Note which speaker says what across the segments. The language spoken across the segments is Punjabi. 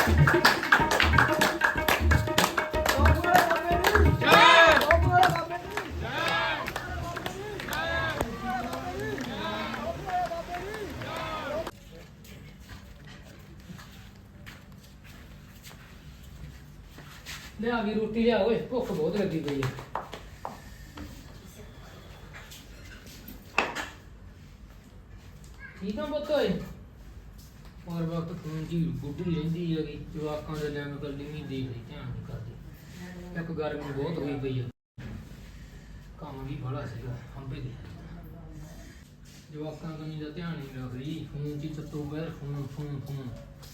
Speaker 1: ਲਿਆ ਵੀ ਰੋਟੀ ਲਿਆ ਓਏ, ਭੁੱਖ ਬਹੁਤ ਲੱਗੀ ਪਈ ਹੈ। ਠੀਕ ਆ ਪੁੱਤ ਓਏ, ਹੋਰ ਵਕਤ ਫੋਨ ਜੀ ਗੁੱਡੀ ਰਹਿੰਦੀ ਹੈਗੀ, ਜਵਾਕਾਂ ਦੇ ਲੈਣ ਕੱਲੀ ਨਹੀਂ ਦੇਖਦੀ, ਧਿਆਨ ਨਹੀਂ ਕਰਦੀ। ਇੱਕ ਗਰਮੀ ਬਹੁਤ ਹੋਈ ਪਈ ਆ, ਕੰਮ ਵੀ ਬੜਾ ਸੀਗਾ ਹੰਬੇ ਦੇ, ਜਵਾਕਾਂ ਕੰਨੀ ਦਾ ਧਿਆਨ ਨਹੀਂ ਰੱਖਦੀ, ਫੋਨ 'ਚ ਚੱਤੋ ਬਹਿਰ ਫੋਨ ਫੋਨ ਫੋਨ।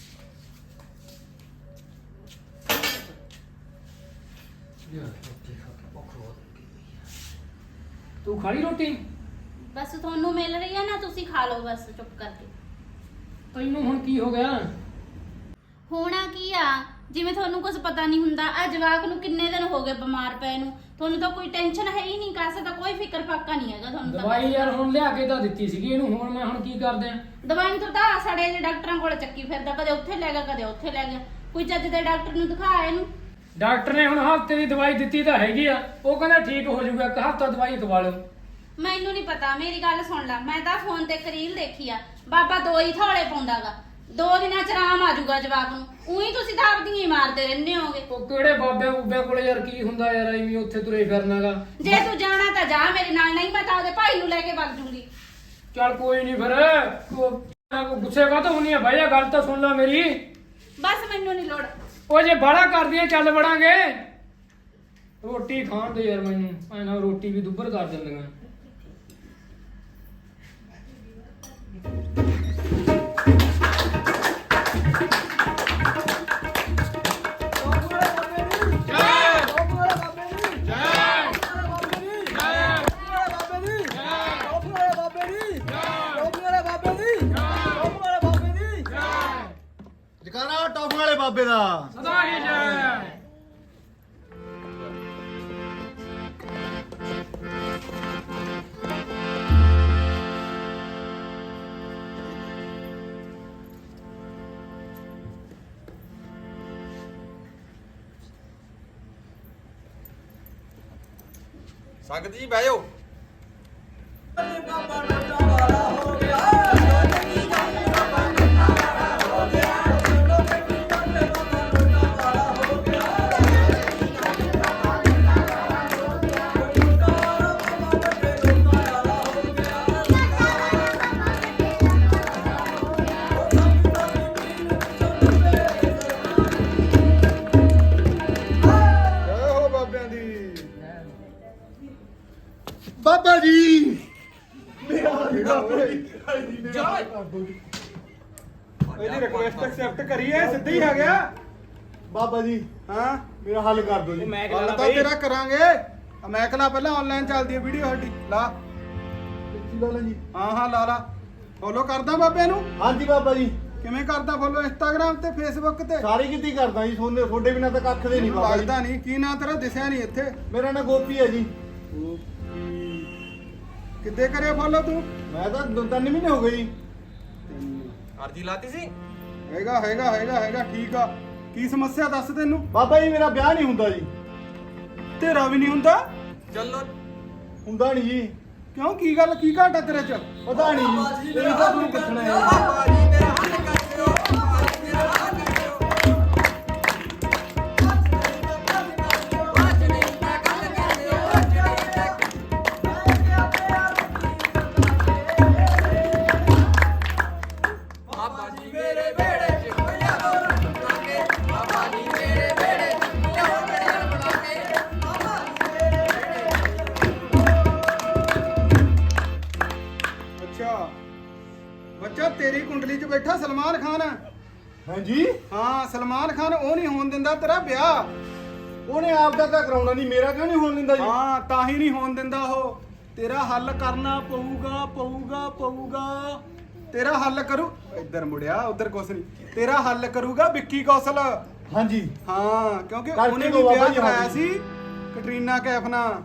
Speaker 1: ਤੂੰ ਖਾਲੀ ਰੋਟੀ?
Speaker 2: ਬਸ ਤੁਹਾਨੂੰ ਮਿਲ ਰਹੀ ਹੈ ਨਾ, ਤੁਸੀਂ ਖਾ ਲਓ ਬਸ ਚੁੱਪ ਕਰਕੇ।
Speaker 1: ਤੈਨੂੰ ਹੁਣ ਕੀ ਹੋ ਗਿਆ?
Speaker 2: ਹੋਣਾ ਕੀ ਆ, ਜਿਵੇਂ ਤੁਹਾਨੂੰ ਕੁਝ ਪਤਾ ਨਹੀਂ ਹੁੰਦਾ। ਆ ਜਵਾਕ ਨੂੰ ਕਿੰਨੇ ਦਿਨ ਹੋ ਗਏ ਬਿਮਾਰ ਪਏ ਨੂੰ, ਤੁਹਾਨੂੰ ਤਾਂ ਕੋਈ ਟੈਨਸ਼ਨ ਹੈ ਹੀ ਨਹੀਂ, ਕਾਸੇ ਦਾ ਕੋਈ ਫਿਕਰ ਫਾਕਾ ਨਹੀਂ ਹੈਗਾ ਤੁਹਾਨੂੰ।
Speaker 1: ਦਵਾਈ ਯਾਰ ਹੁਣ ਲਿਆ ਕੇ ਤਾਂ ਦਿੱਤੀ ਸੀਗੀ ਇਹਨੂੰ, ਹੁਣ ਮੈਂ ਹੁਣ ਕੀ ਕਰਦੇ ਆ?
Speaker 2: ਦਵਾਈ ਤੋਂ ਤਾਂ ਸੜੇ ਦੇ ਡਾਕਟਰਾਂ ਕੋਲ ਚੱਕੀ ਫਿਰਦਾ, ਕਦੇ ਉੱਥੇ ਲੈ ਗਿਆ ਕਦੇ ਉੱਥੇ ਲੈ ਗਿਆ। ਕੋਈ ਚੱਜ ਦੇ ਡਾਕਟਰ ਨੂੰ ਦਿਖਾ ਇਹਨੂੰ।
Speaker 1: ਡਾਕਟਰ ਨੇ ਹੁਣ ਹਫ਼ਤੇ ਦੀ ਦਵਾਈ ਦਿੱਤੀ ਤਾਂ ਹੈਗੀ ਆ, ਉਹ ਕਹਿੰਦਾ ਠੀਕ ਹੋ ਜਾਊਗਾ, ਇੱਕ ਹਫ਼ਤਾ ਦਵਾਈ ਖਵਾ ਲਓ।
Speaker 2: ਮੈਨੂੰ ਨਹੀਂ ਪਤਾ, ਮੇਰੀ ਗੱਲ ਸੁਣ ਲੈ। ਮੈਂ ਤਾਂ ਫੋਨ ਤੇ ਰੀਲ ਦੇਖੀ ਆ, ਬਾਬਾ 2 ਹੀ ਥੋੜੇ ਪਾਉਂਦਾਗਾ, 2 ਦਿਨਾਂ ਚ ਆਰਾਮ ਆ ਜਾਊਗਾ ਜਵਾਕ ਨੂੰ। ਉਹੀ ਤੁਸੀਂ ਤਾਂ ਆਪਦੀਆਂ ਹੀ ਮਾਰਦੇ ਰਹਿੰਦੇ ਹੋਗੇ।
Speaker 1: ਉਹ ਕਿਹੜੇ ਬਾਬੇ ਬੂਬੇ ਕੋਲੇ ਯਾਰ ਕੀ ਹੁੰਦਾ ਯਾਰ, ਐਵੇਂ ਉੱਥੇ ਤੁਰੇ ਫਿਰਨਾਗਾ।
Speaker 2: ਜੇ ਤੂੰ ਜਾਣਾ ਤਾਂ ਜਾ ਮੇਰੇ ਨਾਲ, ਨਹੀਂ ਮੈਂ ਤਾਂ ਉਹਦੇ ਭਾਈ ਨੂੰ ਲੈ ਕੇ ਵਗ ਜੂਗੀ।
Speaker 1: ਚੱਲ ਕੋਈ ਨਹੀਂ ਫਿਰ, ਗੁੱਸੇ ਕਾਹਤੋਂ ਹੁੰਨੀ ਆ ਭਾਈ, ਗੱਲ ਤਾਂ ਸੁਣ ਲੈ ਮੇਰੀ।
Speaker 2: ਬਸ ਮੈਨੂੰ ਨਹੀਂ ਲੋੜ।
Speaker 1: ਉਹ ਜੇ ਬਾਹਲਾ ਕਰਦੀਆਂ ਚੱਲ ਵੜਾਂਗੇ। ਰੋਟੀ ਖਾਣ ਦੇ ਯਾਰ ਮੈਨੂੰ, ਐਨਾ ਰੋਟੀ ਵੀ ਦੁੱਬਰ ਕਰ ਦਿੰਦੀਆਂ।
Speaker 3: ਜਕਾਰਾ ਟੌਫੀ ਵਾਲੇ ਬਾਬੇ ਦਾ
Speaker 1: ਸਦਾ ਹੀ ਜੈ।
Speaker 3: ਸੰਗਤ ਜੀ ਬਹਿ ਜਾਓ। ਬਾਬਾ ਜੀ
Speaker 4: ਇਹਦੀ ਰਿਕੁਐਸਟ ਐਕਸੈਪਟ ਕਰੀਏ, ਸਿੱਧਾ ਹੀ ਆ ਗਿਆ।
Speaker 3: ਬਾਬਾ ਜੀ
Speaker 4: ਹਾਂ
Speaker 3: ਮੇਰਾ ਹੱਲ ਕਰ ਦਿਓ ਜੀ।
Speaker 4: ਹੱਲ ਤਾਂ ਤੇਰਾ ਕਰਾਂਗੇ। ਮੈਂ ਕਹਲਾ ਪਹਿਲਾਂ ਆਨਲਾਈਨ ਚੱਲਦੀ ਹੈ ਵੀਡੀਓ ਸਾਡੀ, ਲਾ।
Speaker 3: ਜੀ
Speaker 4: ਹਾਂ ਹਾਂ ਲਾ ਲਾ। ਫੋਲੋ ਕਰਦਾ ਬਾਬੇ ਨੂੰ?
Speaker 3: ਹਾਂਜੀ ਬਾਬਾ ਜੀ।
Speaker 4: ਕਿਵੇਂ ਕਰਦਾ ਫੋਲੋ? ਇੰਸਟਾਗ੍ਰਾਮ ਤੇ ਫੇਸਬੁੱਕ ਤੇ
Speaker 3: ਸਾਰੀ ਕਿਤੇ ਕਰਦਾ ਜੀ, ਤੁਹਾਡੇ ਬਿਨਾਂ ਤਾਂ ਕੱਖ ਦੇ ਨਹੀਂ ਬਾਬਾ ਜੀ।
Speaker 4: ਲੱਗਦਾ ਨਹੀਂ। ਕੀ ਨਾਂ ਤੇਰਾ? ਦਿਸਿਆ ਨਹੀਂ ਇੱਥੇ।
Speaker 3: ਮੇਰਾ ਨਾਂ ਗੋਪੀ ਹੈ ਜੀ।
Speaker 4: ਕਿੱਦੇ ਕਰਿਆ ਫੋਲੋ ਤੂੰ?
Speaker 3: ਮੈਂ ਤਾਂ 2-3 ਮਹੀਨੇ ਹੋ ਗਏ ਜੀ।
Speaker 4: ਅਰਜੀ ਲਾਤੀ ਸੀ? ਹੈਗਾ ਹੈਗਾ ਹੈਗਾ ਹੈਗਾ ਠੀਕ ਆ। ਕੀ ਸਮੱਸਿਆ ਦੱਸ ਤੈਨੂੰ?
Speaker 3: ਬਾਬਾ ਜੀ ਮੇਰਾ ਵਿਆਹ ਨਹੀਂ ਹੁੰਦਾ ਜੀ।
Speaker 4: ਤੇਰਾ ਵੀ ਨਹੀਂ ਹੁੰਦਾ?
Speaker 3: ਚੱਲੋ ਹੁੰਦਾ ਨਹੀਂ ਜੀ।
Speaker 4: ਕਿਉਂ, ਕੀ ਗੱਲ, ਕੀ ਘਾਟਾ ਤੇਰੇ ਚ?
Speaker 3: ਪਤਾ ਨਹੀਂ ਜੀ, ਇਹ ਤਾਂ ਤੁਹਾਨੂੰ ਪੁੱਛਣਾ ਹੈ।
Speaker 4: ਬੱਚਾ ਤੇਰੀ ਕੁੰਡਲੀ 'ਚ ਬੈਠਾ ਸਲਮਾਨ ਖਾਨ।
Speaker 3: ਹਾਂਜੀ
Speaker 4: ਹਾਂ ਸਲਮਾਨ ਖਾਨ, ਉਹ ਨਹੀਂ ਹੋਣ ਦਿੰਦਾ ਤੇਰਾ ਵਿਆਹ।
Speaker 3: ਉਹਨੇ ਆਪ ਦਾ ਤਾਂ ਕਰਾਉਣਾ ਨਹੀਂ, ਮੇਰਾ ਕਿਉਂ ਨਹੀਂ ਹੋਣ ਦਿੰਦਾ ਜੀ?
Speaker 4: ਹਾਂ ਤਾਂ ਹੀ ਨਹੀਂ ਹੋਣ ਦਿੰਦਾ ਉਹ। ਤੇਰਾ ਹੱਲ ਕਰਨਾ ਪਊਗਾ ਪਊਗਾ ਪਊਗਾ। ਤੇਰਾ ਹੱਲ ਕਰੂ, ਇੱਧਰ ਮੁੜਿਆ ਉਧਰ ਕੁਛ ਨਹੀਂ। ਤੇਰਾ ਹੱਲ ਕਰੂਗਾ ਵਿੱਕੀ ਕੌਸ਼ਲ।
Speaker 3: ਹਾਂਜੀ
Speaker 4: ਹਾਂ ਕਿਉਂਕਿ
Speaker 3: ਕਰਕੇ
Speaker 4: ਉਹਨੇ ਵੀ
Speaker 3: ਦਿਓ ਬਾਬਾ
Speaker 4: ਵਿਆਹ
Speaker 3: ਜੀ,
Speaker 4: ਕਰਾਇਆ
Speaker 3: ਹਾਂਜੀ।
Speaker 4: ਸੀ ਕੈਟਰੀਨਾ ਕੈਫ ਨਾਲ।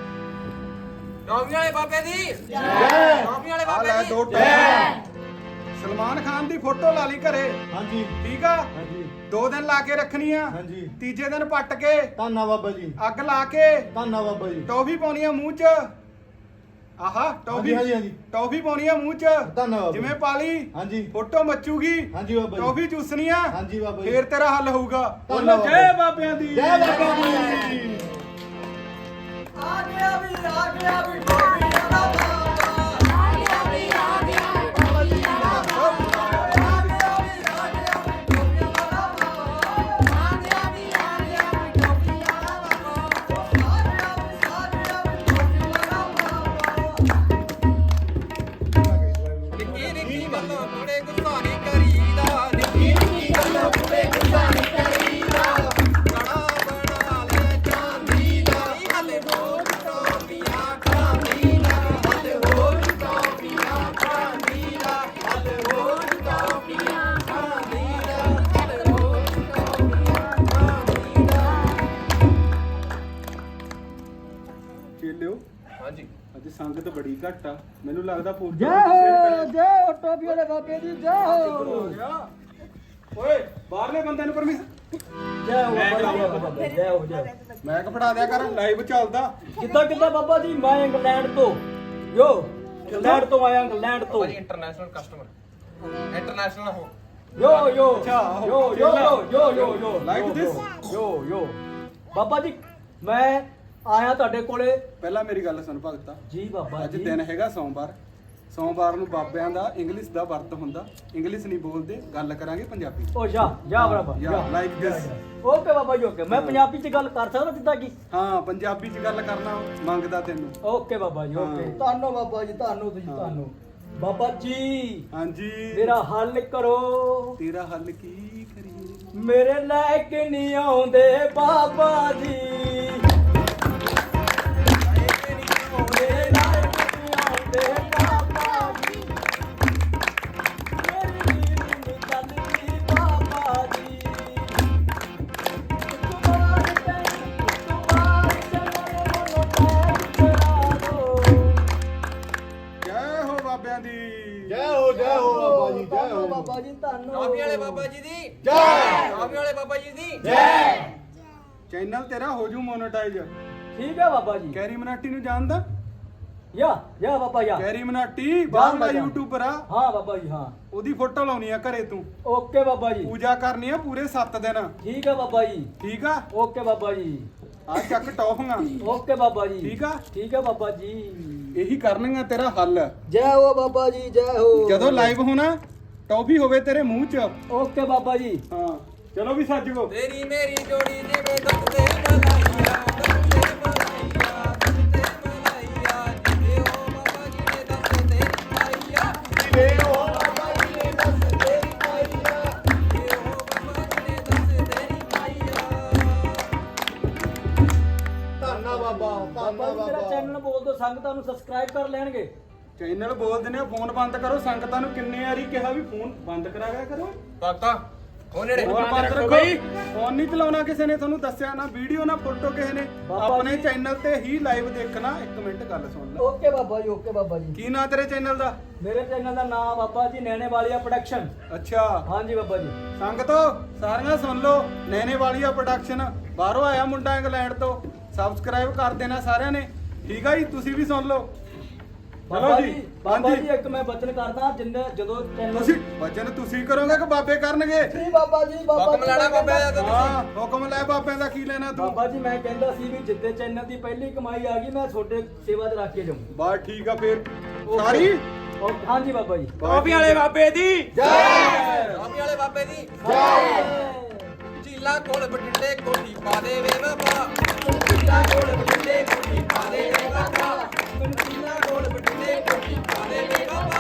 Speaker 5: ਟੌਫੀ ਵਾਲੇ ਬਾਬੇ ਦੀ
Speaker 3: ਜੈ।
Speaker 5: ਟੌਫੀ ਵਾਲੇ
Speaker 4: ਆ
Speaker 5: ਬਾਬੇ
Speaker 4: ਲੈ
Speaker 5: ਦੀ
Speaker 4: 2 ਟੌਫੀਆਂ। ਸਲਮਾਨ ਖਾਨ ਦੀ ਫੋਟੋ ਲਾ ਲਈ ਘਰੇ,
Speaker 3: ਹਾਂਜੀ
Speaker 4: ਠੀਕ ਆ?
Speaker 3: ਹਾਂਜੀ
Speaker 4: 2 ਦਿਨ ਲਾ ਕੇ ਰੱਖਣੀ ਆ,
Speaker 3: ਹਾਂਜੀ
Speaker 4: ਤੀਜੇ ਦਿਨ ਪੱਟ ਕੇ
Speaker 3: ਧੰਨਾ ਬਾਬਾ ਜੀ,
Speaker 4: ਅੱਗ ਲਾ ਕੇ
Speaker 3: ਧੰਨਾ ਬਾਬਾ ਜੀ,
Speaker 4: ਟੌਫੀ ਪਾਉਣੀ ਆ ਮੂੰਹ 'ਚ। ਆਹਾ ਟੌਫੀ,
Speaker 3: ਹਾਂਜੀ ਹਾਂਜੀ
Speaker 4: ਟੌਫੀ ਪਾਉਣੀ ਆ ਮੂੰਹ 'ਚ,
Speaker 3: ਧੰਨਾ ਬਾਬਾ
Speaker 4: ਜਿਵੇਂ ਪਾਲੀ
Speaker 3: ਹਾਂਜੀ
Speaker 4: ਫੋਟੋ ਮੱਚੂਗੀ,
Speaker 3: ਹਾਂਜੀ ਬਾਬਾ ਜੀ,
Speaker 4: ਟੌਫੀ ਚੂਸਣੀ ਆ,
Speaker 3: ਹਾਂਜੀ ਬਾਬਾ ਜੀ,
Speaker 4: ਫੇਰ ਤੇਰਾ ਹੱਲ ਹੋਊਗਾ।
Speaker 3: ਧੰਨਾ
Speaker 4: ਬੋਲੋ
Speaker 3: ਬਾਬਾ
Speaker 4: ਜੈ
Speaker 3: ਜੀ।
Speaker 4: ਬਾਬਿਆਂ ਦੀ,
Speaker 3: ਜੈ ਬਾਬਾ ਜੀ।
Speaker 5: ਆ ਗਿਆ ਵੀ ਟੋਪੀਆਂ ਦਾ ਬਾਬਾ ਆ ਗਿਆ ਵੀ ਟੋਪੀਆਂ ਦਾ ਬਾਬਾ ਆ ਗਿਆ ਵੀ ਟੋਪੀਆਂ ਦਾ ਬਾਬਾ ਆ ਗਿਆ ਵੀ ਟੋਪੀਆਂ ਦਾ ਬਾਬਾ ਆ ਗਿਆ ਵੀ ਟੋਪੀਆਂ ਦਾ ਬਾਬਾ ਨਿੱਕੀ ਨਿੱਕੀ ਗੱਲਾਂ ਬੜੇ ਗੁੱਸਾ ਨਹੀਂ ਕਰੀਦਾ ਨਿੱਕੀ ਨਿੱਕੀ ਗੱਲਾਂ ਬੜੇ ਗੁੱਸਾ ਨਹੀਂ ਕਰੀਦਾ ਕੜਾ ਬਣਾ ਲੈ ਚਾਂਦੀ ਦਾ ਹਲੇ ਹੋਰ ਟੋਪੀਆਂ ਖਾਂਦੀ ਦਾ ਹਲੇ ਹੋਰ ਟੋਪੀਆਂ ਖਾਂਦੀ ਦਾ ਹਲੇ ਹੋਰ ਟੋਪੀਆਂ ਖਾਂਦੀ ਦਾ ਹਲੇ ਹੋਰ ਟੋਪੀਆਂ ਖਾਂਦੀ ਦਾ
Speaker 4: ਚੇਲਿਓ
Speaker 3: ਹਾਂਜੀ
Speaker 4: ਅੱਜ ਸੰਗਤ ਬੜੀ ਘੱਟ ਆ, ਮੈਨੂੰ ਲੱਗਦਾ ਫੋਟੋ
Speaker 3: ਜੈ ਹੋ ਜੈ ਹੋ ਟੋਪੀ ਵਾਲੇ ਬਾਬੇ ਦੀ ਜੈ ਹੋ
Speaker 4: ਓਏ ਬਾਹਰਲੇ ਬੰਦੇ ਨੂੰ ਪਰਮਿਸ਼ਨ
Speaker 3: ਜੈ ਹੋ ਬਾਬਾ ਜੀ ਜੈ ਹੋ ਜੈ ਹੋ।
Speaker 4: ਮੈਂ ਫੜਾ ਦਿਆ ਕਰ, ਲਾਈਵ ਚੱਲਦਾ।
Speaker 3: ਕਿੱਦਾਂ ਕਿੱਦਾਂ ਬਾਬਾ ਜੀ, ਮੈਂ ਇੰਗਲੈਂਡ ਤੋਂ ਯੋ ਇੰਗਲੈਂਡ ਤੋਂ ਆਇਆ, ਇੰਗਲੈਂਡ ਤੋਂ
Speaker 5: ਇੰਟਰਨੈਸ਼ਨਲ ਕਸਟਮਰ ਇੰਟਰਨੈਸ਼ਨਲ ਹੋ
Speaker 3: ਯੋ ਯੋ
Speaker 4: ਅੱਛਾ,
Speaker 3: ਯੋ ਯੋ ਯੋ ਯੋ ਯੋ
Speaker 4: Like this?
Speaker 3: ਯੋ ਯੋ ਬਾਬਾ ਜੀ ਮੈਂ ਆਇਆ ਤੁਹਾਡੇ ਕੋਲੇ।
Speaker 4: ਪਹਿਲਾਂ ਮੇਰੀ ਗੱਲ ਸੁਣ ਭਗਤਾ,
Speaker 3: ਜੀ ਬਾਬਾ
Speaker 4: ਅੱਜ
Speaker 3: ਜੀ
Speaker 4: ਦਿਨ ਹੈਗਾ ਸੋਮਵਾਰ। ਸੋਮਵਾਰ ਨੂੰ ਬਾਬਿਆਂ ਦਾ ਇੰਗਲਿਸ਼ ਦਾ ਵਰਤ ਹੁੰਦਾ, ਇੰਗਲਿਸ਼ ਨਹੀਂ ਬੋਲਦੇ, ਗੱਲ ਕਰਾਂਗੇ ਪੰਜਾਬੀ।
Speaker 3: ਓ ਜਾ ਬਰਾਬਰ
Speaker 4: Yeah, like this.
Speaker 3: ਓਕੇ ਬਾਬਾ ਜੀ ਓਕੇ, ਮੈਂ ਪੰਜਾਬੀ ਚ ਗੱਲ ਕਰ ਸਕਦਾ ਜਿੱਦਾਂ ਕਿ?
Speaker 4: ਹਾਂ ਪੰਜਾਬੀ 'ਚ ਗੱਲ ਕਰਨਾ ਮੰਗਦਾ ਤੈਨੂੰ।
Speaker 3: ਓਕੇ ਬਾਬਾ ਜੀ ਓਕੇ,
Speaker 4: ਹਾਂ।
Speaker 3: ਤੁਹਾਨੂੰ ਬਾਬਾ ਜੀ, ਤੁਹਾਨੂੰ ਤੁਸੀਂ
Speaker 4: ਹਾਂ।
Speaker 3: ਤੁਹਾਨੂੰ ਬਾਬਾ ਜੀ
Speaker 4: ਹਾਂਜੀ
Speaker 3: ਮੇਰਾ ਹੱਲ ਕਰੋ,
Speaker 4: ਤੇਰਾ ਹੱਲ ਕੀ ਕਰੀਏ?
Speaker 3: ਮੇਰੇ ਲਾਇਕ ਨਹੀਂ ਆਉਂਦੇ ਬਾਬਾ ਜੀ, ਮੇਰੇ ਲਾਇਕ ਨਹੀਂ ਆਉਂਦੇ ਬਾਬਾ ਜੀ, ਮੇਰੀ ਨੀਂਦ ਨਹੀਂ ਚੱਲਦੀ ਬਾਬਾ ਜੀ, ਤੁਮਾਰੇ ਮਨੋਂ ਪੈਰ ਚੜਾ ਦੋ।
Speaker 4: ਜੈ ਹੋ ਬਾਬਿਆਂ ਦੀ,
Speaker 3: ਜੈ ਹੋ ਬਾਬਾ ਜੀ, ਜੈ ਹੋ ਬਾਬਾ ਜੀ, ਤੁਹਾਨੂੰ
Speaker 5: ਕਾਫੀ ਵਾਲੇ ਬਾਬਾ ਜੀ ਦੀ
Speaker 3: ਜੈ
Speaker 5: ਕਾਫੀ ਵਾਲੇ ਬਾਬਾ ਜੀ ਦੀ
Speaker 3: ਜੈ।
Speaker 4: ਚੈਨਲ ਤੇਰਾ ਹੋ ਜੂ ਮੋਨੇਟਾਈਜ਼।
Speaker 3: ਠੀਕ ਹੈ ਬਾਬਾ ਜੀ,
Speaker 4: ਕੈਰੀ ਮਨਾਟੀ ਨੂੰ ਜਾਣਦਾ?
Speaker 3: ਯਾ ਬਾਬਾ ਯਾ।
Speaker 4: ਕੈਰੀ ਮਨਾਟੀ ਬਾਹਰਲਾ
Speaker 3: ਜਾਣਦਾ।
Speaker 4: ਯੂਟਿਊਬਰ ਆ,
Speaker 3: ਹਾਂ ਬਾਬਾ ਜੀ ਹਾਂ,
Speaker 4: ਉਹਦੀ ਫੋਟੋ ਲਾਉਣੀ ਆ ਘਰੇ ਤੂੰ,
Speaker 3: ਓਕੇ ਬਾਬਾ ਜੀ,
Speaker 4: ਪੂਜਾ ਕਰਨੀ ਆ ਪੂਰੇ 7 ਦਿਨ,
Speaker 3: ਠੀਕ ਹੈ ਬਾਬਾ ਜੀ,
Speaker 4: ਠੀਕ ਆ?
Speaker 3: ਓਕੇ ਬਾਬਾ ਜੀ,
Speaker 4: ਆ ਚੱਕ ਟੌਫੀਆਂ,
Speaker 3: ਓਕੇ ਬਾਬਾ ਜੀ,
Speaker 4: ਠੀਕ ਆ?
Speaker 3: ਠੀਕ ਹੈ ਬਾਬਾ ਜੀ।
Speaker 4: ਇਹੀ ਕਰਨਗੀਆਂ ਤੇਰਾ ਹੱਲ।
Speaker 3: ਜੈ ਹੋ ਬਾਬਾ ਜੀ, ਜੈ ਹੋ।
Speaker 4: ਜਦੋਂ ਲਾਈਵ ਹੋਣਾ ਟੌਫੀ ਹੋਵੇ ਤੇਰੇ ਮੂੰਹ 'ਚ।
Speaker 3: ਓਕੇ ਬਾਬਾ ਜੀ,
Speaker 4: ਹਾਂ ਚਲੋ ਵੀ ਸੱਜ ਗੋ।
Speaker 5: ਤੇਰੀ ਮੇਰੀ ਜੋੜੀ ਜਿਵੇਂ ਦੁੱਧ ਤੇ ਮਲਾਈਆ ਦੁੱਧ ਤੇ ਮਲਾਈਆ ਦੁੱਧ ਤੇ ਮਲਾਈਆ ਜਿਵੇਂ ਉਹ ਬਾਬਾ ਜੀ ਨੇ ਦੱਸ ਤੇ ਆਈਆ ਜਿਵੇਂ ਉਹ ਬਾਬਾ ਜੀ ਨੇ ਦੱਸ ਤੇਰੀ ਆਈਆ ਜਿਵੇਂ ਉਹ ਬਾਬਾ ਜੀ ਨੇ ਦੱਸ ਤੇਰੀ ਆਈਆ
Speaker 3: ਧੰਨਾ ਬਾਬਾ ਜੀ, ਮੇਰਾ ਚੈਨਲ ਬੋਲ ਦੋ, ਸੰਗਤਾਂ ਨੂੰ ਸਬਸਕ੍ਰਾਈਬ ਕਰ ਲੈਣਗੇ।
Speaker 4: ਚੈਨਲ ਬੋਲਦੇ ਨੇ ਫੋਨ ਬੰਦ ਕਰੋ, ਸੰਗਤਾਂ ਨੂੰ ਕਿੰਨੇ ਵਾਰੀ ਕਿਹਾ ਵੀ ਫੋਨ ਬੰਦ ਕਰਾ ਗਿਆ ਕਰੋ।
Speaker 5: ਭਗਤਾ ਉਹ ਨੇੜੇ
Speaker 4: ਫੋਨ ਬੰਦ ਰੱਖੋ ਬਈ, ਫੋਨ ਨਹੀਂ ਚਲਾਉਣਾ ਕਿਸੇ ਨੇ, ਤੁਹਾਨੂੰ ਦੱਸਿਆ ਨਾ ਵੀਡੀਓ ਨਾ ਫੋਟੋ ਕਿਸੇ ਨੇ,
Speaker 3: ਬਾਬਾ
Speaker 4: ਆਪਣੇ
Speaker 3: ਜੀ।
Speaker 4: ਚੈਨਲ ਤੇ ਹੀ ਲਾਈਵ ਦੇਖਣਾ। 1 ਮਿੰਟ ਗੱਲ ਸੁਣ ਲੈ,
Speaker 3: ਓਕੇ ਬਾਬਾ ਜੀ, ਓਕੇ ਬਾਬਾ ਜੀ।
Speaker 4: ਕੀ ਨਾਂ ਤੇਰੇ ਚੈਨਲ ਦਾ?
Speaker 3: ਮੇਰੇ ਚੈਨਲ ਦਾ ਨਾਮ ਬਾਬਾ ਜੀ ਨੈਣੇ ਵਾਲੀਆ ਪ੍ਰੋਡਕਸ਼ਨ।
Speaker 4: ਅੱਛਾ
Speaker 3: ਹਾਂਜੀ ਬਾਬਾ ਜੀ,
Speaker 4: ਸੰਗਤੋ ਸਾਰੀਆਂ ਸੁਣ ਲਓ, ਨੈਣੇ ਵਾਲੀਆ ਪ੍ਰੋਡਕਸ਼ਨ, ਬਾਹਰੋਂ ਆਇਆ ਮੁੰਡਾ ਇੰਗਲੈਂਡ ਤੋਂ, ਸਬਸਕ੍ਰਾਈਬ ਕਰ ਦੇਣਾ ਸਾਰਿਆਂ ਨੇ, ਠੀਕ ਆ ਜੀ? ਤੁਸੀਂ ਵੀ ਸੁਣ ਲਓ।
Speaker 3: ਬਾਬਾ ਜੀ, ਬਾਬਾ ਜੀ ਇੱਕ ਮੈਂ ਬਚਨ ਕਰਦਾ, ਜਿੰਨੇ ਜਦੋਂ ਚੈਨਲ
Speaker 4: ਤੁਸੀਂ ਵਚਨ ਤੁਸੀਂ ਕਰੋਗੇ ਕਿ ਬਾਬੇ ਕਰਨਗੇ?
Speaker 3: ਜੀ ਬਾਬਾ ਜੀ,
Speaker 5: ਹੁਕਮ ਲੈਣਾ ਬਾਬਾ ਦਾ ਤਾਂ
Speaker 4: ਹਾਂ ਹੁਕਮ ਲੈ ਬਾਬਿਆਂ ਦਾ, ਕੀ ਲੈਣਾ ਤੂੰ?
Speaker 3: ਬਾਬਾ ਜੀ ਮੈਂ ਕਹਿੰਦਾ ਸੀ ਵੀ ਜਿੱਦੇ ਚੈਨਲ ਦੀ ਪਹਿਲੀ ਕਮਾਈ ਆ ਗਈ ਮੈਂ ਤੁਹਾਡੇ ਸੇਵਾ 'ਚ ਰੱਖ ਕੇ ਜਾਊਂ।
Speaker 4: ਬਸ ਠੀਕ ਆ ਫੇਰ
Speaker 3: ਓਕੇ।
Speaker 4: ਸਾਰੀ
Speaker 3: ਹਾਂਜੀ ਬਾਬਾ ਜੀ,
Speaker 4: ਕਾਫੀ ਵਾਲੇ
Speaker 5: ਬਾਬੇ ਦੀ
Speaker 3: ਜੈ
Speaker 5: ਕਾਫੀ ਵਾਲੇ ਬਾਬੇ ਦੀ
Speaker 3: ਜੈ।
Speaker 5: ਝੀਲਾ ਕੋਲ ਬਟਿੰਡੇ ਕੋਠੀ ਪਾ ਦੇ ਵੇ ਬਾਬਾ ਝੀਲਾ ਕੋਲ ਬਟਿੰਡੇ ਕੋਠੀ ਪਾ ਦੇ ਵੇ ਬਾਬਾ ਮੈਨੂੰ ਝੀਲਾ ਕੋਲ ਬਟਿੰਡੇ ਕੋਠੀ ਪਾ ਦੇ ਵੇ ਬਾਬਾ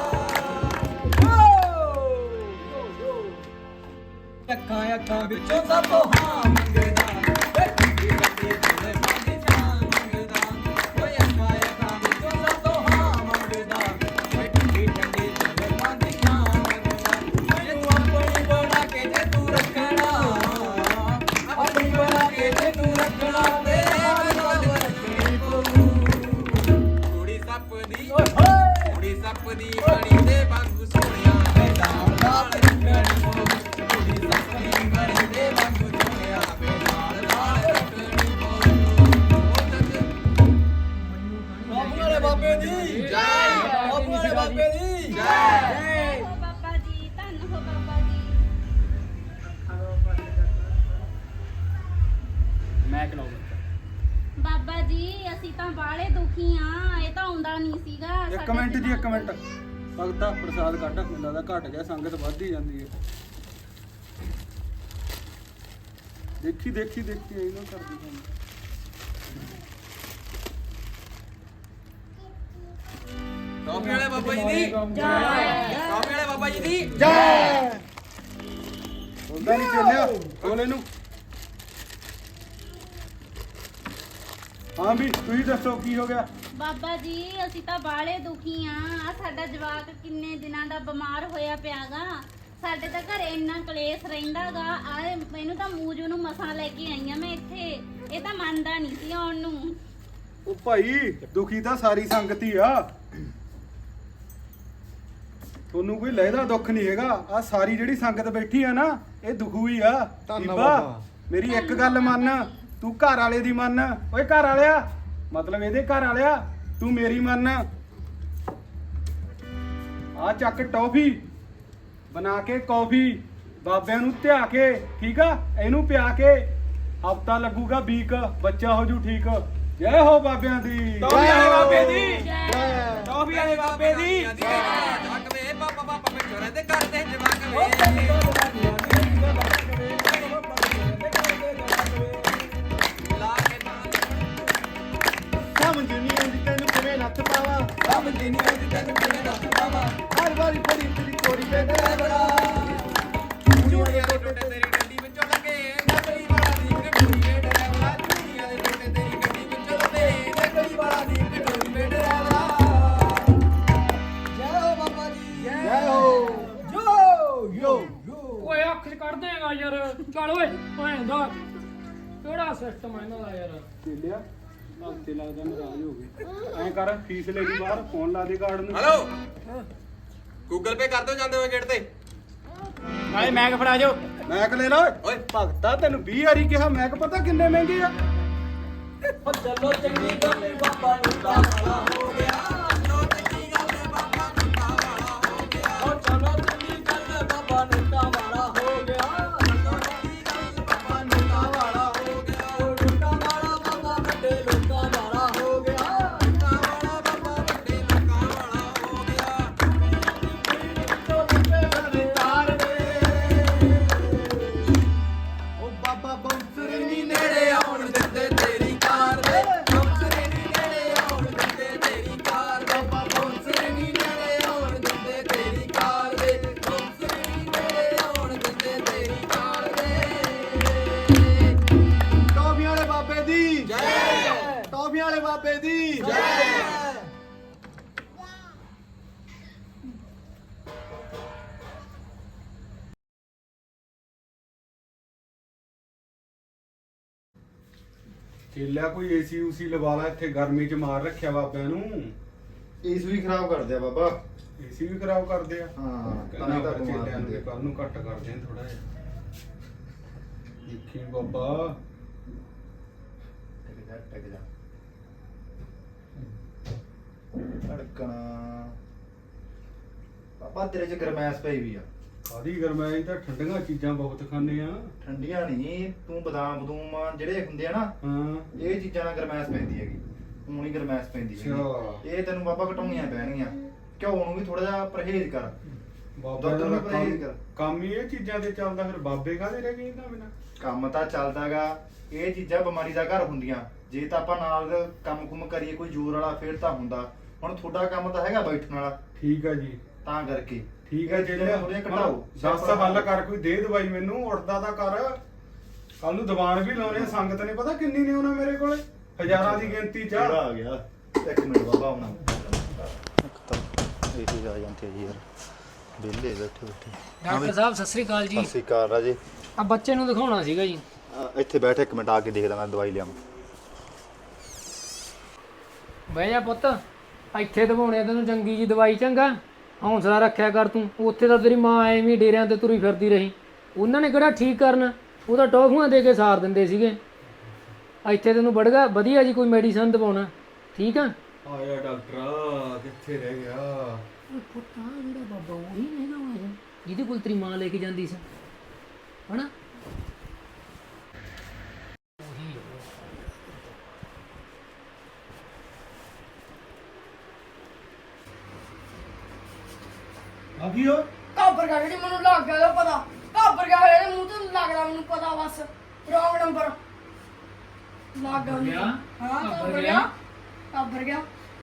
Speaker 3: ਅੱਖਾਂ ਵਿੱਚੋਂ ਸਭ ਤੋਂ ਹਾਂ ਮੰਗਦਾ,
Speaker 5: ਵੇ ਠੰਡੀ ਠੰਡੀ ਦਿਲ ਸਾਡੀ ਜਾਨ ਮੰਗਦਾ ਓਏ ਅੱਖਾਂ ਵਿੱਚੋਂ ਸਭ ਤੋਂ ਹਾਂ ਮੰਗਦਾ ਓਏ ਠੰਡੀ ਠੰਡੀ ਦਿਲ ਸਾਡੀ ਜਾਨ ਮੰਗਦਾ ਮੈਨੂੰ ਆਪਣੀ ਬਣਾ ਕੇ ਜੇ ਤੂੰ ਰੱਖਣਾ ਆਪਣੀ ਬਣਾ ਕੇ ਜੇ ਤੂੰ ਰੱਖਣਾ ਤੇ ਮੈਨੂੰ ਰੱਖਣੀ ਪਊ ਕੁੜੀ ਸੱਪ ਦੀ
Speaker 3: ਓਏ ਹੋਏ।
Speaker 5: ਕੁੜੀ ਸੱਪ ਦੀ ਬਣੀ ਦੇ ਵਾਂਗੂ ਸੋਹਣਿਆ
Speaker 2: ਨਹੀਂ ਸੀਗਾ
Speaker 4: ਇੱਕ
Speaker 2: ਸਾਡੇ
Speaker 4: ਮਿੰਟ ਜੀ, ਇੱਕ
Speaker 2: ਦਿਮਾਗ
Speaker 4: ਮਿੰਟ। ਭਗਤਾ ਪ੍ਰਸਾਦ ਕੱਢ, ਮੈਨੂੰ ਲੱਗਦਾ ਘਟ ਗਿਆ, ਸੰਗਤ ਵੱਧ ਹੀ ਜਾਂਦੀ ਹੈ। ਦੇਖੀ ਦੇਖੀ ਦੇਖੀ ਇਹਨੂੰ ਕਰਦੀ ਸਾਨੂੰ।
Speaker 5: ਟੋਪੀ ਵਾਲੇ ਬਾਬਾ ਜੀ ਦੀ ਟੋਪੀ ਵਾਲੇ ਬਾਬਾ ਜੀ ਦੀ
Speaker 4: ਹੁੰਦਾ ਨਹੀਂ ਚੱਲਿਆ ਬੋਲ ਇਹਨੂੰ। ਹਾਂ ਵੀ ਤੁਸੀਂ ਦੱਸੋ ਕੀ ਹੋ ਗਿਆ?
Speaker 2: ਬਾਬਾ ਜੀ ਅਸੀਂ ਤਾਂ ਬਾਹਲੇ ਦੁਖੀ ਆ ਸਾਡਾ ਜਵਾਕ ਕਿੰਨੇ ਦਿਨਾਂ ਦਾ ਬਿਮਾਰ ਹੋਇਆ ਪਿਆਗਾ ਸਾਡੇ ਤਾਂ ਘਰੇ ਇੰਨਾ ਕਲੇਸ਼ ਰਹਿੰਦਾਗਾ ਆ ਮੈਨੂੰ ਤਾਂ ਮੂਜੂ ਨੂੰ ਮਸਾਂ ਲੈ ਕੇ ਆਈਆਂ ਮੈਂ ਇੱਥੇ ਇਹ ਤਾਂ ਮੰਨਦਾ ਨਹੀਂ ਸੀ ਆਉਣ ਨੂੰ।
Speaker 4: ਉਹ ਭਾਈ ਦੁਖੀ ਤਾਂ ਸਾਰੀ ਸੰਗਤ ਹੀ ਆ, ਤੁਹਾਨੂੰ ਕੋਈ ਲਹਿਦਾ ਦੁੱਖ ਨਹੀਂ ਹੈਗਾ। ਆ ਸਾਰੀ ਜਿਹੜੀ ਸੰਗਤ ਬੈਠੀ ਆ ਨਾ ਇਹ ਦੁਖੂ ਹੀ ਆ। ਬੀਬਾ ਮੇਰੀ ਇੱਕ ਗੱਲ ਮੰਨ, ਤੂੰ ਘਰ ਵਾਲੇ ਦੀ ਮੰਨ। ਓਏ ਘਰ ਵਾਲਿਆ, ਮਤਲਬ ਇਹਦੇ ਘਰ ਵਾਲਿਆ, ਤੂੰ ਮੇਰੀ ਮੰਨ। ਆ ਚੱਕ ਟੌਫੀ ਬਣਾ ਕੇ ਕੌਫੀ ਬਾਬਿਆਂ ਨੂੰ ਧਿਆ ਕੇ, ਠੀਕ ਆ, ਇਹਨੂੰ ਪਿਆ ਕੇ ਹਫਤਾ ਲੱਗੂਗਾ ਵੀਕ, ਬੱਚਾ ਹੋ ਜੂ ਠੀਕ। ਜੈ ਹੋ ਬਾਬਿਆਂ ਦੀ।
Speaker 3: ਟੌਫੀ ਵਾਲੇ ਬਾਬੇ ਦੀ
Speaker 2: ਜੈ।
Speaker 3: ਟੌਫੀ ਵਾਲੇ ਬਾਬੇ ਦੀ
Speaker 5: ਜਵਾਕ ਵੇ ਬਾਬਾ ਬਾਬਾ ਮਿੱਠੋਰੇ ਦੇ ਕਰਦੇ ਜਵਾਕ ਵੇ ਲਾ ਕੇ ਨਾਲ
Speaker 6: ਸਮਝ ਨਹੀਂ ਆਉਂਦੀ ਤੈਨੂੰ ਕਿਵੇਂ ਲੱਤ ਪਾਵਾਂ
Speaker 5: ਸਮਝਦੀ ਨਹੀਂ ਆਉਂਦੀ ਤੈਨੂੰ ਕਿਵੇਂ ਦੱਸ ਪਾਵਾਂ
Speaker 6: ਹਰ ਵਾਰੀ ਫੜੀ ਤੇਰੀ ਕੋਰੀ ਤੇ ਡਰਾਈਵਰਾ
Speaker 5: ਚੂੜੀਆਂ ਦੇ ਟੋਟੇ ਤੇਰੀ ਗੱਡੀ ਵਿੱਚੋਂ ਲੱਗੇ ਨਕਲੀ ਵਾਲਾ ਦੀ ਕਟੋਰੀ ਵੇ ਡਰਾਈਵਰਾ ਚੂੜੀਆਂ ਦੇ ਟੋਟੇ ਤੇਰੀ ਗੱਡੀ ਵਿੱਚੋਂ ਲੱਗੇ ਨਕਲੀ ਵਾਲਾ ਦੀ ਕਟੋਰੀ ਵੇ ਡਰਾਈਵਰਾ ਜੈ ਹੋ ਬਾਬਾ ਜੀ
Speaker 6: ਜੈ ਹੋ ਯੋ
Speaker 1: ਓਏ ਅੱਖ ਚ ਕੱਢ ਦੇਗਾ ਯਾਰ। ਚੱਲ ਓਏ ਭੈਣ ਦਾ ਕਿਹੜਾ ਸਿਸਟਮ ਹੈ ਇਹਨਾਂ ਦਾ ਯਾਰ।
Speaker 4: ਚੱਲਿਆ ਹਫਤੇ ਲੱਗਦਾ ਨਾਰਾਜ਼ ਹੋ ਗਏ। ਐਂ ਕਰ ਫੀਸ ਲੈ ਲਈ ਬਾਹਰ, ਫੋਨ ਲਾ ਦੇ ਕਾਰਡ ਨੂੰ।
Speaker 5: ਹੈਲੋ ਗੂਗਲ ਪੇ ਕਰ ਦਿਓ ਜਾਂਦੇ ਹੋਏ ਗੇਟ ਤੇ
Speaker 3: ਨਾਲੇ ਮੈਗ ਫੜਾ ਜਾਓ।
Speaker 4: ਮੈਕ ਲੈ ਲੈ ਓਏ ਭਗਤਾ, ਤੈਨੂੰ 20 ਵਾਰੀ ਕਿਹਾ ਮੈਕ ਪਤਾ ਕਿੰਨੇ ਮਹਿੰਗੇ ਆ।
Speaker 3: ਚਲੋ ਚੰਗੀ ਗੱਲ ਏ ਬਾਬਾ ਨੂੰ ਤਾਂ ਵਾਲਾ ਹੋ ਗਿਆ।
Speaker 5: ਚਲੋ ਚੰਗੀ ਗੱਲ ਹੈ ਬਾਬਾ ਨੂੰ ਵਾਲਾ ਹੋ ਗਿਆ
Speaker 3: ਓ ਚਲੋ ਚੰਗੀ ਗੱਲ ਏ ਬਾਬਾ ਨੂੰ ਤਾਂ ਵਾਲਾ ਹੋ ਗਿਆ।
Speaker 5: ਚਲੋ ਚੰਗੀ ਗੱਲ ਬਾਬਾ ਨੂੰ ਵਾਲਾ ਹੋ ਗਿਆ
Speaker 3: ਓ ਲੁੱਟਾਂ ਵਾਲਾ ਬਾਬਾ ਵੱਡੇ ਲੋਕਾਂ ਵਾਲਾ ਹੋ ਗਿਆ।
Speaker 5: ਲੁੱਟਾਂ ਵਾਲਾ ਬਾਬਾ ਵੱਡੇ ਲੋਕਾਂ ਵਾਲਾ ਹੋ ਗਿਆ
Speaker 3: ਤੋ ਲੁੱਟੇ ਵਾਲੇ ਤਾਰ ਦੇ
Speaker 6: ਓ ਬਾਬਾ ਬੌਂਸਰ
Speaker 5: ਨੀ ਨੇੜੇ ਆਉਣ ਦਿੰਦੇ ਤੇਰੀ ਕਾਰ ਦੇ ਬੌਂਸਰੇ ਨੀ ਨੇੜੇ ਆਉਣ ਦਿੰਦੇ ਤੇਰੀ ਕਾਰ ਦੇ ਬਾਬਾ ਬੌਂਸਰੇ ਨੀ ਨੇੜੇ ਆਉਣ ਦਿੰਦੇ ਤੇਰੀ ਕਾਰ ਦੇ ਬੌਂਸਰੇ ਨੀ ਨੇੜੇ ਆਉਣ ਦਿੰਦੇ ਤੇਰੀ ਕਾਰ ਦੇ
Speaker 6: ਟੌਫੀਆਂ ਵਾਲੇ ਬਾਬੇ ਦੀ
Speaker 5: ਜੈ
Speaker 6: ਟੌਫੀਆਂ ਵਾਲੇ ਬਾਬੇ ਦੀ
Speaker 5: ਜੈ
Speaker 4: ਚੇਲਿਆ ਕੋਈ ਏਸੀ ਉਸੀ ਲਵਾ ਲਾ, ਇੱਥੇ ਗਰਮੀ ਚ ਮਾਰ ਰੱਖਿਆ ਬਾਬਿਆਂ ਨੂੰ।
Speaker 6: ਇਸ ਵੀ ਖਰਾਬ ਕਰਦੇ ਆ ਬਾਬਾ।
Speaker 4: ਏਸੀ ਵੀ ਖਰਾਬ ਕਰਦੇ ਆ।
Speaker 6: ਹਾਂ ਤਾਂ
Speaker 4: ਕਹਿੰਦਾ
Speaker 6: ਹੀ ਤਾਂ
Speaker 4: ਪਰ
Speaker 6: ਬਿਮਾਰ
Speaker 4: ਚੇਲਿਆਂ
Speaker 6: ਹੁੰਦੇ
Speaker 4: ਨੂੰ
Speaker 6: ਆ।
Speaker 4: ਕੱਲ ਨੂੰ ਘੱਟ ਕਰਦੇ ਆ ਥੋੜਾ ਜਿਹਾ। ਦੇਖੀ ਬਾਬਾ
Speaker 6: ਟਿਕ ਜਾ ਧੜਕਣਾ ਬਾਬਾ ਤੇਰੇ ਚ ਗਰਮੈਸ਼ ਪਈ ਵੀ ਆ।
Speaker 4: ਕਾਦੀ ਗਰਮਾਈ ਤਾਂ ਠੰਡੀਆਂ ਚੀਜ਼ਾਂ ਬਹੁਤ ਖਾਂਦੇ ਆ।
Speaker 6: ਠੰਡੀਆਂ ਨਹੀਂ, ਤੂੰ ਬਦਾਮ ਬਦੂਮ ਜਿਹੜੇ ਹੁੰਦੇ ਆ ਨਾ
Speaker 4: ਹਾਂ
Speaker 6: ਇਹ ਚੀਜ਼ਾਂ ਨਾਲ ਗਰਮੈਸ਼ ਪੈਂਦੀ ਹੈਗੀ। ਊਂ ਨੀ ਗਰਮੈਸ਼ ਪੈਂਦੀ ਹੈਗੀ।
Speaker 4: ਅੱਛਾ।
Speaker 6: ਇਹ ਤੈਨੂੰ ਬਾਬਾ ਘਟਾਉਣੀਆਂ ਪੈਣਗੀਆਂ। ਘਿਓ ਨੂੰ ਵੀ ਥੋੜਾ ਜਿਹਾ ਪਰਹੇਜ਼ ਕਰ।
Speaker 4: ਬਾਬਾ
Speaker 6: ਦੁੱਧ ਨੂੰ
Speaker 4: ਦਾ
Speaker 6: ਪਰਹੇਜ਼ ਕਰ।
Speaker 4: ਕੰਮ ਹੀ ਇਹ ਚੀਜ਼ਾਂ ਤੇ ਚੱਲਦਾ, ਫਿਰ ਬਾਬੇ ਕਾਹਦੇ ਰਹਿ ਗਏ ਇਹਨਾਂ ਬਿਨਾਂ?
Speaker 6: ਕੰਮ ਤਾਂ ਚੱਲਦਾਗਾ, ਇਹ ਚੀਜ਼ਾਂ ਬਿਮਾਰੀ ਦਾ ਘਰ ਹੁੰਦੀਆਂ। ਜੇ ਤਾਂ ਆਪਾਂ ਨਾਲ ਕੰਮ-ਕੁਮ ਕਰੀਏ ਕੋਈ ਜ਼ੋਰ ਵਾਲਾ ਫੇਰ ਤਾਂ ਹੁੰਦਾ। ਹੁਣ ਤੁਹਾਡਾ ਕੰਮ ਤਾਂ ਹੈਗਾ ਬੈਠਣ ਵਾਲਾ,
Speaker 4: ਠੀਕ ਆ ਜੀ,
Speaker 6: ਤਾਂ ਕਰਕੇ
Speaker 4: ਠੀਕ ਆ
Speaker 6: ਇਹ ਚੀਜ਼ਾਂ
Speaker 4: ਚੇਲਿਆ।
Speaker 6: ਥੋੜ੍ਹੀਆਂ ਘਟਾਓ।
Speaker 4: ਦੱਸ ਹੱਲ ਕਰ, ਕੋਈ ਦੇ ਦਵਾਈ ਮੈਨੂੰ, ਉੜਦਾ ਤਾਂ ਕਰ। ਕੱਲ ਨੂੰ ਦੀਵਾਨ ਵੀ ਲਾਉਣੇ ਆ, ਸੰਗਤ ਨੇ ਪਤਾ ਕਿੰਨੀ ਨੇ ਉਹਨਾਂ ਮੇਰੇ ਕੋਲੇ, ਹਜ਼ਾਰਾਂ ਦੀ ਗਿਣਤੀ ਚ।
Speaker 6: ਕਿਹੜਾ ਆ ਗਿਆ? ਇੱਕ ਮਿੰਟ ਬਾਬਾ ਆਉਣਾ। ਇੱਕ ਤਾਂ ਇਹ ਚੀਜ਼ ਆ ਜਾਂਦੀ ਹੈ ਜੀ ਯਾਰ, ਵਿਹਲੇ ਬੈਠੇ ਬੈਠੇ।
Speaker 1: ਡਾਕਟਰ ਸਾਹਿਬ ਸਤਿ ਸ੍ਰੀ ਅਕਾਲ ਜੀ।
Speaker 6: ਸਤਿ ਸ਼੍ਰੀ ਅਕਾਲ ਰਾਜੇ।
Speaker 1: ਆ ਬੱਚੇ ਨੂੰ ਦਿਖਾਉਣਾ ਸੀਗਾ ਜੀ।
Speaker 6: ਇੱਥੇ ਬੈਠ ਇੱਕ ਮਿੰਟ, ਆ ਕੇ ਦੇਖਦਾ ਮੈਂ ਦਵਾਈ ਲਿਆਵਾਂ।
Speaker 1: ਬਹਿ ਜਾ ਪੁੱਤ, ਇੱਥੇ ਦਵਾਉਣੇ ਤੈਨੂੰ ਚੰਗੀ ਜੀ ਦਵਾਈ। ਚੰਗਾ ਹੌਂਸਲਾ ਰੱਖਿਆ ਕਰ ਤੂੰ। ਉੱਥੇ ਤਾਂ ਤੇਰੀ ਮਾਂ ਐਵੇਂ ਡੇਰਿਆਂ ਤੇ ਤੁਰੀ ਫਿਰਦੀ ਰਹੀ, ਉਹਨਾਂ ਨੇ ਕਿਹੜਾ ਠੀਕ ਕਰਨਾ, ਉਹ ਤਾਂ ਟੌਫੀਆਂ ਦੇ ਕੇ ਸਾਰ ਦਿੰਦੇ ਸੀਗੇ। ਇੱਥੇ ਤੈਨੂੰ ਬੜਗਾ ਵਧੀਆ ਜੀ ਕੋਈ ਮੈਡੀਸਨ ਦਵਾਉਣਾ, ਠੀਕ ਆ?
Speaker 4: ਆਇਆ ਡਾਕਟਰ, ਕਿੱਥੇ ਰਹਿ ਗਿਆ?
Speaker 1: ਪੁੱਤ ਆ ਜਿਹੜਾ ਬਾਬਾ ਉਹੀ ਹੈਗਾ ਵਾ ਜਿਹਦੇ ਕੋਲ ਤੇਰੀ ਮਾਂ ਲੈ ਕੇ ਜਾਂਦੀ ਸੀ, ਹਨਾ?
Speaker 4: ਆ ਕੀ ਹੋ
Speaker 7: ਕਾਬਰ ਗਿਆ ਜਿਹੜੀ ਮੈਨੂੰ ਲੱਗ ਗਿਆ ਉਹਦਾ ਪਤਾ ਕਾਬਰ ਗਿਆ ਇਹਦੇ ਮੂੰਹ ਤੋਂ ਲੱਗਦਾ ਮੈਨੂੰ ਪਤਾ ਬਸ ਰੌਂਗ ਨੰਬਰ ਲੱਗ ਗਿਆ ਉਹਨੂੰ।
Speaker 1: ਗਿਆ?
Speaker 7: ਹਾਂ
Speaker 1: ਕਾਬਰ
Speaker 7: ਕਾਬਰ
Speaker 1: ਗਿਆ?
Speaker 7: ਗਿਆ ਕਾਬਰ ਗਿਆ